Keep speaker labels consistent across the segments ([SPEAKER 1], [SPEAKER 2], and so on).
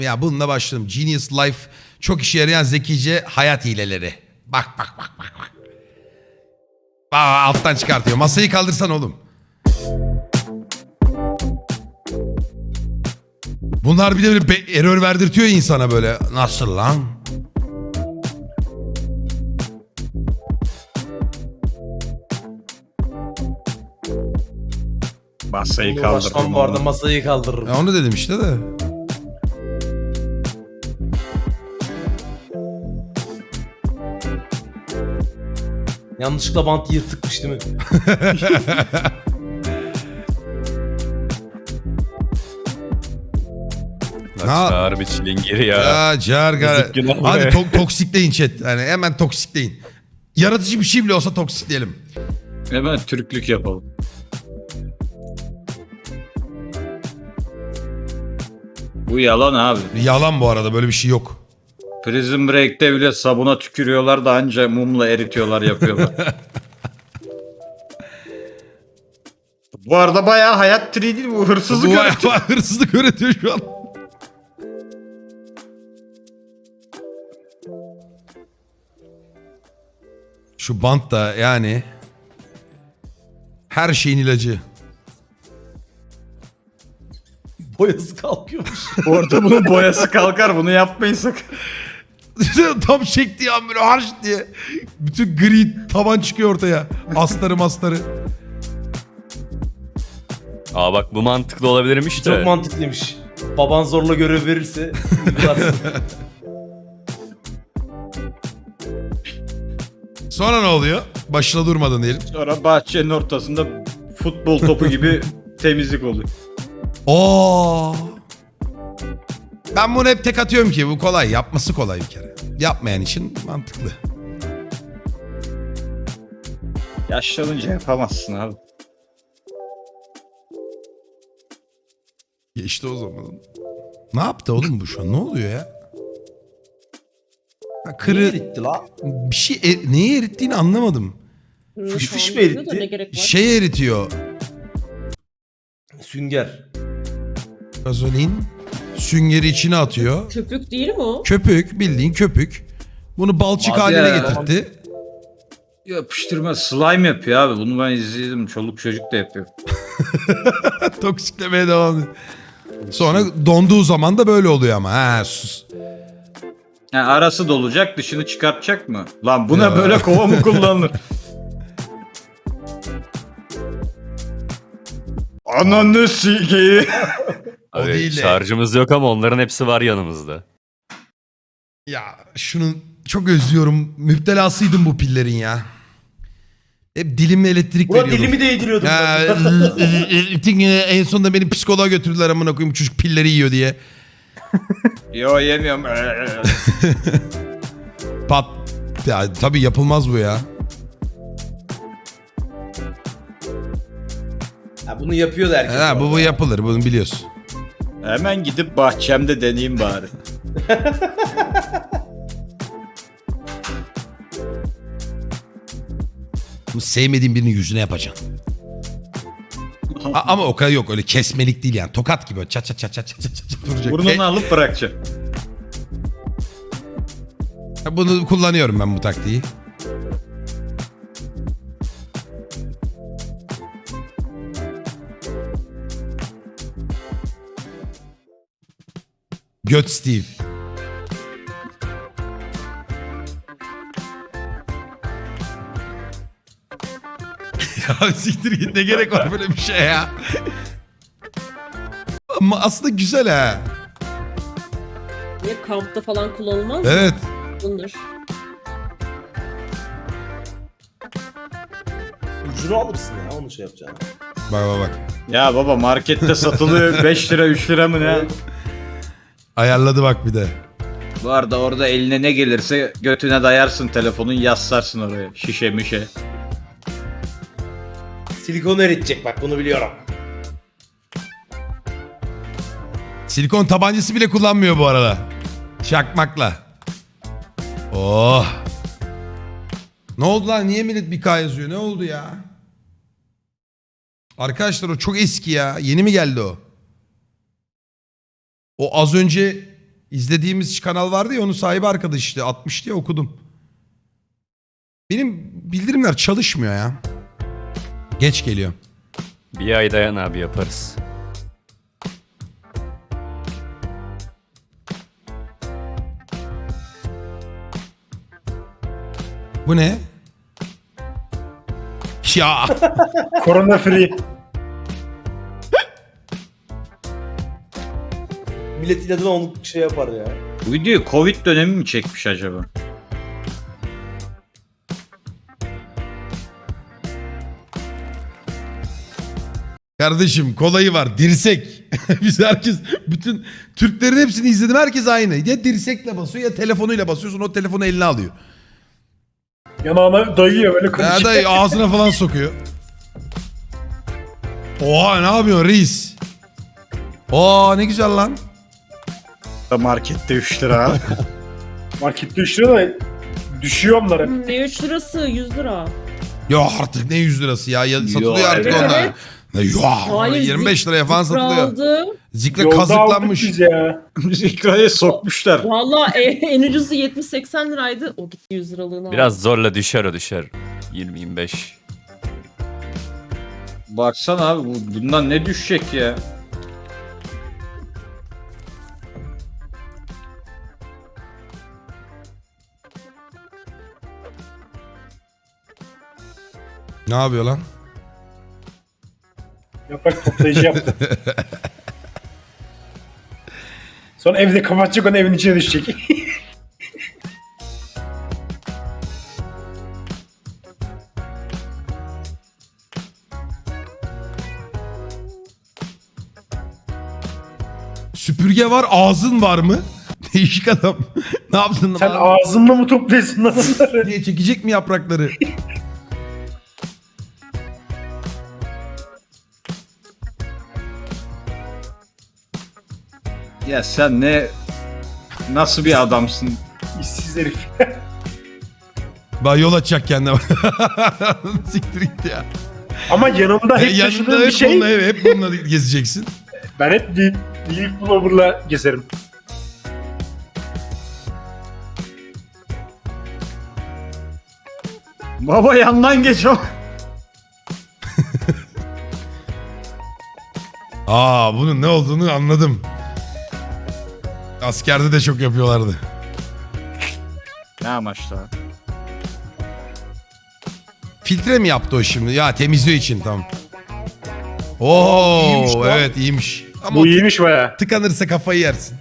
[SPEAKER 1] Ya bununla başladım. Genius Life çok işe yarayan zekice hayat hileleri. Bak bak bak bak bak. Alttan çıkartıyor. Masayı kaldırsan oğlum. Bunlar bir de böyle error verdirtiyor ya insana böyle. Nasıl lan?
[SPEAKER 2] Masayı
[SPEAKER 3] Başkan
[SPEAKER 2] kaldırdım.
[SPEAKER 3] bu arada masayı kaldırırım.
[SPEAKER 1] Ya onu dedim işte de.
[SPEAKER 3] Yanlışlıkla bantı yırtıkmış değil mi?
[SPEAKER 4] Çağır bir çilingiri ya.
[SPEAKER 1] Ya Cargar.
[SPEAKER 4] Yazık günah
[SPEAKER 1] Hadi
[SPEAKER 4] be.
[SPEAKER 1] toksikleyin chat. Yani hemen toksikleyin. Yaratıcı bir şey bile olsa toksikleyelim.
[SPEAKER 2] Hemen Türklük yapalım. Bu yalan abi.
[SPEAKER 1] Yalan bu arada, böyle bir şey yok.
[SPEAKER 2] Prison Break'te bile sabuna tükürüyorlar da anca mumla eritiyorlar yapıyorlar. Bu arada bayağı hayat tri değil bu, hırsızlık
[SPEAKER 1] Bu
[SPEAKER 2] öğretiyor.
[SPEAKER 1] hırsızlık öğretiyor şu an. Şu bant da yani her şeyin ilacı.
[SPEAKER 3] Boyası kalkıyormuş.
[SPEAKER 2] Orada bunun boyası kalkar, bunu yapmayın sakın.
[SPEAKER 1] Tam çektiği an böyle harç diye. Bütün gri taban çıkıyor ortaya. Astarı mastarı.
[SPEAKER 4] Aa bak bu mantıklı olabilirmiş de.
[SPEAKER 3] Çok mantıklıymış. Baban zorla görev verirse uygularsın.
[SPEAKER 1] Sonra ne oluyor? Başına durmadın diyelim.
[SPEAKER 2] Sonra bahçenin ortasında futbol topu gibi temizlik oluyor.
[SPEAKER 1] Oo. Ben bunu hep tek atıyorum ki bu kolay. Yapması kolay bir kere. Yapmayan için mantıklı.
[SPEAKER 2] Yaşlanınca yapamazsın abi.
[SPEAKER 1] Geçti o zaman. Ne yaptı oğlum bu şu an? Ne oluyor ya? Ha,
[SPEAKER 3] Niye
[SPEAKER 1] kırı
[SPEAKER 3] eritti la?
[SPEAKER 1] bir şey neyi erittiğini anlamadım.
[SPEAKER 3] Fış fış mı
[SPEAKER 5] Anlıyor da
[SPEAKER 3] eritti?
[SPEAKER 5] Ne gerek var?
[SPEAKER 1] Şey eritiyor.
[SPEAKER 3] Sünger.
[SPEAKER 1] Gazolin süngeri içine atıyor.
[SPEAKER 5] Köpük değil mi o?
[SPEAKER 1] Köpük, bildiğin köpük. Bunu balçık
[SPEAKER 2] Hadi
[SPEAKER 1] haline
[SPEAKER 2] ya.
[SPEAKER 1] getirtti.
[SPEAKER 2] Yapıştırma slime yapıyor abi. Bunu ben izledim. Çoluk çocuk da yapıyor.
[SPEAKER 1] Toksiklemeye devam ediyor. Sonra donduğu zaman da böyle oluyor ama. Ha sus.
[SPEAKER 2] Ha, arası dolacak, dışını çıkartacak mı? Lan buna
[SPEAKER 1] Ya.
[SPEAKER 2] böyle kova mı kullanılır? Ananı sikeyi.
[SPEAKER 1] O
[SPEAKER 4] Abi,
[SPEAKER 1] değil de.
[SPEAKER 4] şarjımız yok ama onların hepsi var yanımızda.
[SPEAKER 1] Ya şunu çok özlüyorum. Müptelasıydım bu pillerin ya. Hep dilimle elektrik
[SPEAKER 3] Buna
[SPEAKER 1] veriyordum.
[SPEAKER 3] dilimi değdiriyordum.
[SPEAKER 1] Ya,
[SPEAKER 3] ben.
[SPEAKER 1] en sonunda beni psikoloğa götürdüler amına koyayım, bu çocuk pilleri yiyor diye.
[SPEAKER 2] Yo yemiyorum.
[SPEAKER 1] Pat. Ya tabii yapılmaz bu ya.
[SPEAKER 3] Ha, bunu yapıyordu herkes.
[SPEAKER 1] Ha, bu yapılır, bunu biliyorsun.
[SPEAKER 2] Hemen gidip bahçemde deneyeyim bari.
[SPEAKER 1] Bunu sevmediğin birinin yüzüne yapacaksın. Ama o kadar yok, öyle kesmelik değil yani. Tokat gibi çat çat çat çat çat çat çat vuracak.
[SPEAKER 2] Burnunu alıp bırakacağım.
[SPEAKER 1] Bunu kullanıyorum ben, bu taktiği. Göt Steve. Ya siktir git, ne gerek var böyle bir şey ya. Ama aslında güzel ha.
[SPEAKER 5] Niye kampta falan kullanılmaz mı?
[SPEAKER 1] Evet.
[SPEAKER 5] Bundur.
[SPEAKER 3] Ucunu alırsın ya onu şey yapacağını.
[SPEAKER 1] Bak bak bak.
[SPEAKER 2] Ya baba markette satılıyor 5 lira 3 lira mı ne?
[SPEAKER 1] Ayarladı bak bir de.
[SPEAKER 2] Bu arada orada eline ne gelirse götüne dayarsın telefonun, yaslarsın oraya. Şişe mişe.
[SPEAKER 3] Silikon eritecek bak bunu biliyorum.
[SPEAKER 1] Silikon tabancası bile kullanmıyor bu arada. Çakmakla. Oh. Ne oldu lan? Niye millet bir K yazıyor? Ne oldu ya? Arkadaşlar o çok eski ya. Yeni mi geldi o? O az önce İzlediğimiz kanal vardı ya onun sahibi arkadaş işte. Atmış diye okudum. Benim bildirimler çalışmıyor ya. Geç geliyor.
[SPEAKER 4] Bir ay dayan abi yaparız.
[SPEAKER 1] Bu ne? Ya
[SPEAKER 3] Korona free. Millet inadına onu şey yapar ya.
[SPEAKER 2] Bu videoyu Covid dönemi mi çekmiş acaba?
[SPEAKER 1] kardeşim kolayı var dirsek. Biz herkes bütün Türklerin hepsini izledim herkes aynı. Ya dirsekle basıyor ya telefonuyla basıyorsun o telefonu eline alıyor.
[SPEAKER 3] Yanağına dayıyor böyle
[SPEAKER 1] Ya
[SPEAKER 3] konuşuyor.
[SPEAKER 1] da ağzına falan sokuyor. Oha ne yapıyorsun reis? Oo ne güzel lan.
[SPEAKER 2] Markette 3 lira.
[SPEAKER 3] Markette 3 lira da düşüyor onlar hep.
[SPEAKER 5] Ne 3 lirası 100 lira.
[SPEAKER 1] Ya artık ne 100 lirası ya, satılıyor
[SPEAKER 2] Yo,
[SPEAKER 1] artık
[SPEAKER 5] evet,
[SPEAKER 1] onlar.
[SPEAKER 5] evet.
[SPEAKER 1] Ya
[SPEAKER 5] Hayır,
[SPEAKER 1] 25 liraya falan
[SPEAKER 5] Zikra
[SPEAKER 1] satılıyor.
[SPEAKER 5] aldı.
[SPEAKER 1] Zikre
[SPEAKER 3] Yolda
[SPEAKER 1] kazıklanmış.
[SPEAKER 3] aldık biz ya.
[SPEAKER 2] Biz ikraya sokmuşlar.
[SPEAKER 5] Valla en ucuzu 70-80 liraydı. O gitti 100 liralığını aldı.
[SPEAKER 4] Biraz zorla düşer o düşer. 20-25.
[SPEAKER 2] Baksana abi bundan ne düşecek ya?
[SPEAKER 1] Ne yapıyor lan?
[SPEAKER 3] Yaprak toplayıcı yaptı. Sonra evde kapatacak onu evin içine düşecek.
[SPEAKER 1] Süpürge var ağzın var mı? Değişik adam. Ne yaptın
[SPEAKER 3] Sen
[SPEAKER 1] lan?
[SPEAKER 3] ağzınla mı topluyorsun lan onları?
[SPEAKER 1] Niye çekecek mi yaprakları?
[SPEAKER 2] Ya sen nasıl bir adamsın?
[SPEAKER 3] İşsiz herif.
[SPEAKER 1] Bak yol açacak kendine. Siktir git ya.
[SPEAKER 3] Ama yanımda hep
[SPEAKER 1] Yanında
[SPEAKER 3] taşıdığım bir
[SPEAKER 1] hep
[SPEAKER 3] şey.
[SPEAKER 1] bununla, hep bununla gezeceksin.
[SPEAKER 3] Ben hep Deep Blower'la gezerim.
[SPEAKER 2] Baba yandan geç o.
[SPEAKER 1] Aa bunun ne olduğunu anladım. Askerde de çok yapıyorlardı.
[SPEAKER 2] Ne amaçla?
[SPEAKER 1] Filtre mi yaptı o şimdi? Ya temizliği için tamam. Oo
[SPEAKER 3] İyiymiş lan.
[SPEAKER 1] evet iyiymiş. Ama
[SPEAKER 3] Bu iyiymiş baya.
[SPEAKER 1] tıkanırsa kafayı yersin.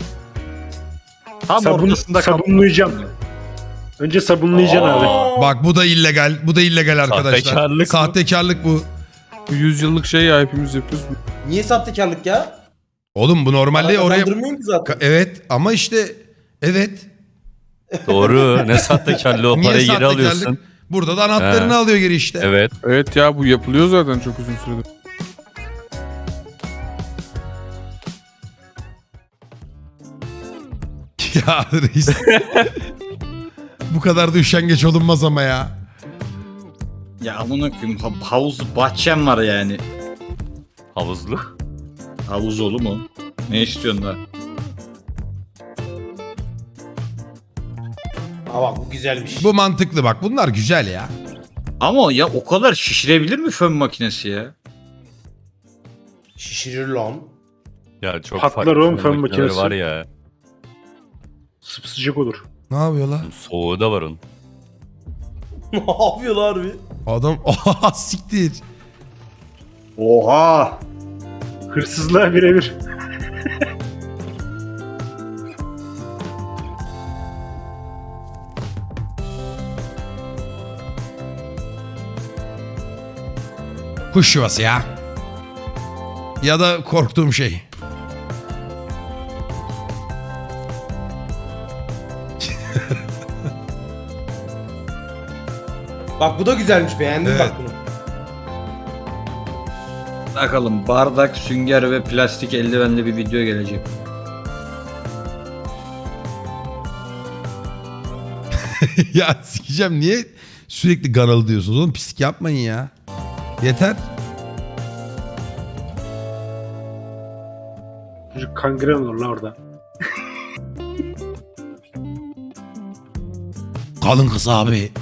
[SPEAKER 2] Tam ortasında
[SPEAKER 3] sabunlayacağım. Önce sabunlayacaksın abi.
[SPEAKER 1] Bak bu da illegal. Bu da illegal arkadaşlar.
[SPEAKER 4] Sahtekarlık mı?
[SPEAKER 1] Sahtekarlık bu.
[SPEAKER 6] Bu 100 yıllık şey ya hepimiz yapıyoruz.
[SPEAKER 3] Niye sahtekarlık ya?
[SPEAKER 1] Oğlum bu normalde oraya...
[SPEAKER 3] Kazandırmıyor ki zaten.
[SPEAKER 1] Evet ama işte evet.
[SPEAKER 4] Doğru. Ne sahtekarlığı o
[SPEAKER 1] Niye
[SPEAKER 4] parayı geri
[SPEAKER 1] sahtekarlık?
[SPEAKER 4] alıyorsun.
[SPEAKER 1] Burada da anahtarını
[SPEAKER 4] He.
[SPEAKER 1] alıyor geri işte.
[SPEAKER 4] Evet.
[SPEAKER 6] Evet ya bu yapılıyor zaten çok uzun süredir.
[SPEAKER 1] Ya reis. Bu kadar da üşengeç olunmaz ama ya.
[SPEAKER 2] Ya amına koyayım havuz bahçem var yani.
[SPEAKER 4] Havuzlu.
[SPEAKER 2] Havuz olur mu? Ne istiyorsun da?
[SPEAKER 3] Aa bak bu güzelmiş.
[SPEAKER 1] Bu mantıklı bak. Bunlar güzel ya.
[SPEAKER 2] Ama ya o kadar şişirebilir mi fön makinesi ya?
[SPEAKER 3] Şişirir lan.
[SPEAKER 4] Ya çok
[SPEAKER 3] Patlar
[SPEAKER 4] farklı
[SPEAKER 3] oğlum fön
[SPEAKER 4] makineleri
[SPEAKER 3] makinesi.
[SPEAKER 4] var ya.
[SPEAKER 3] Sıcak olur.
[SPEAKER 1] Ne yapıyor lan?
[SPEAKER 4] Soğuğu da var onun.
[SPEAKER 3] Ne yapıyorlar harbi?
[SPEAKER 1] Adam oha siktir.
[SPEAKER 2] Oha!
[SPEAKER 3] Hırsızlığa birebir.
[SPEAKER 1] Kuş yuvası ya. Ya da korktuğum şey.
[SPEAKER 7] Bak bu da güzelmiş, beğendim
[SPEAKER 1] Evet.
[SPEAKER 7] bak bunu.
[SPEAKER 2] Bakalım bardak, sünger ve plastik eldivenli bir video gelecek.
[SPEAKER 1] Ya sikeceğim niye sürekli garalı diyorsunuz oğlum pislik yapmayın ya. Yeter.
[SPEAKER 3] Çocuk kangren olur la orada.
[SPEAKER 1] Kalın kız abi.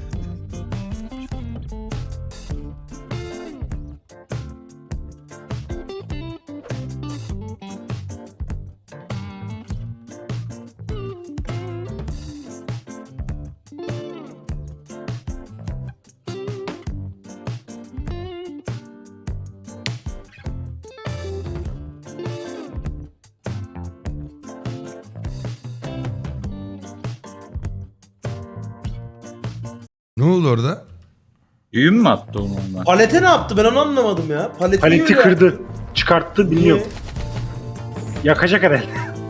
[SPEAKER 1] Ne oldu orada?
[SPEAKER 2] Düğün mü attı onu ondan?
[SPEAKER 7] Palete ne yaptı ben onu anlamadım ya.
[SPEAKER 8] Paleti
[SPEAKER 7] yiyor ya.
[SPEAKER 8] kırdı. Çıkarttı bilmiyorum. Yakacak herhalde.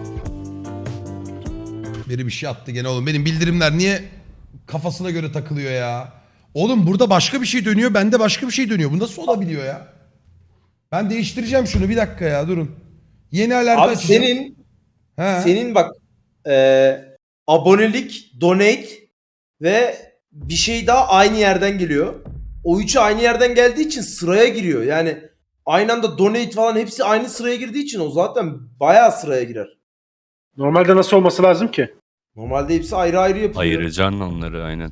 [SPEAKER 1] Biri bir şey attı gene oğlum. Benim bildirimler niye kafasına göre takılıyor ya? Oğlum burada başka bir şey dönüyor. Bende başka bir şey dönüyor. Bu nasıl olabiliyor ya? Ben değiştireceğim şunu. Bir dakika ya durun. Yeni alert
[SPEAKER 7] Abi
[SPEAKER 1] açacağım. He.
[SPEAKER 7] senin bak abonelik, donate ve bir şey daha aynı yerden geliyor. O üçü aynı yerden geldiği için sıraya giriyor. Yani aynı anda donate falan hepsi aynı sıraya girdiği için o zaten bayağı sıraya girer.
[SPEAKER 8] Normalde nasıl olması lazım ki?
[SPEAKER 7] Normalde hepsi ayrı ayrı yapılıyor.
[SPEAKER 4] Ayıracaksın onları aynen.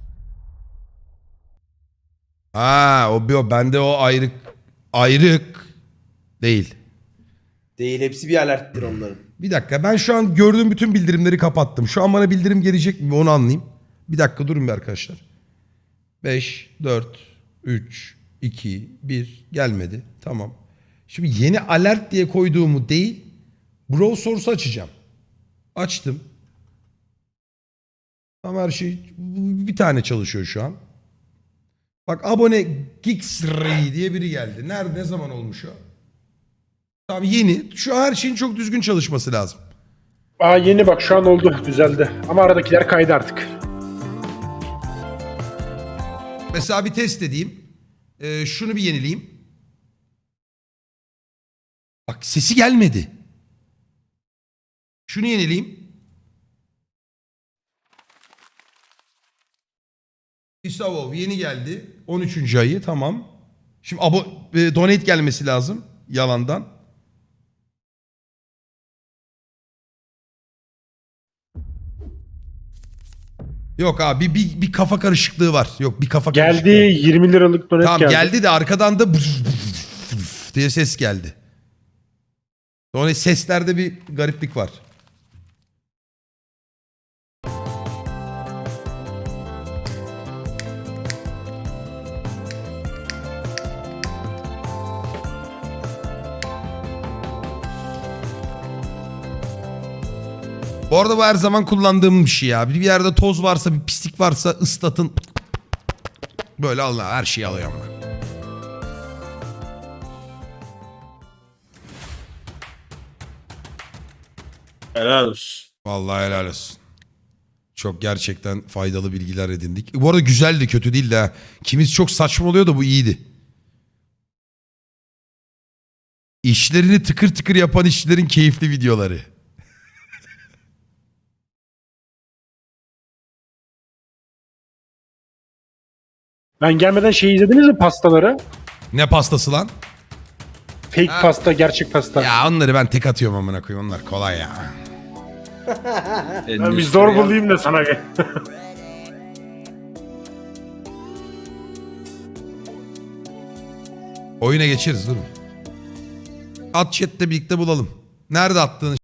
[SPEAKER 1] Ha o bende o ayrık değil.
[SPEAKER 7] Değil, hepsi bir alerttir onların.
[SPEAKER 1] Bir dakika ben şu an gördüğüm bütün bildirimleri kapattım. Şu an bana bildirim gelecek mi onu anlayayım. Bir dakika durun bir arkadaşlar. 5, 4, 3, 2, 1 gelmedi. Tamam. Şimdi yeni alert diye koyduğumu değil browser source'u açacağım. Açtım. Tamam her şey bir tane çalışıyor şu an. Bak abone Geeksray diye biri geldi. Nerede ne zaman olmuş o? Tamam yeni. Şu an her şeyin çok düzgün çalışması lazım.
[SPEAKER 8] Aa yeni bak şu an oldu düzeldi. Ama aradakiler kaydı artık.
[SPEAKER 1] Mesela bir test edeyim. Şunu bir yenileyim. Bak sesi gelmedi. Şunu yenileyim. Isavov yeni geldi. 13. ayı tamam. Şimdi donate gelmesi lazım. Yalandan. Yok abi bir kafa karışıklığı var. Yok bir kafa
[SPEAKER 8] Geldi
[SPEAKER 1] karışıklığı.
[SPEAKER 8] 20 liralık donet
[SPEAKER 1] Tamam
[SPEAKER 8] geldi.
[SPEAKER 1] geldi de arkadan da diye ses geldi. Sonra seslerde bir gariplik var. Bu arada bu her zaman kullandığım bir şey ya. Bir yerde toz varsa, bir pislik varsa ıslatın. Böyle Allah her şeyi alıyorum ben.
[SPEAKER 2] Helal olsun.
[SPEAKER 1] Vallahi helal olsun. Çok gerçekten faydalı bilgiler edindik. Bu arada güzeldi, kötü değildi ha. Kimiz çok saçma oluyor da bu iyiydi. İşlerini tıkır tıkır yapan işçilerin keyifli videoları.
[SPEAKER 8] Ben gelmeden şey izlediniz mi pastaları?
[SPEAKER 1] Ne pastası lan?
[SPEAKER 8] Fake
[SPEAKER 1] Ha.
[SPEAKER 8] pasta, gerçek pasta.
[SPEAKER 1] Ya onları ben tek atıyorum amına koyayım. Onlar kolay ya.
[SPEAKER 8] Ben bir zor bulayım da sana gel.
[SPEAKER 1] Oyuna geçeriz durun. At chatte birlikte bulalım. Nerede attığını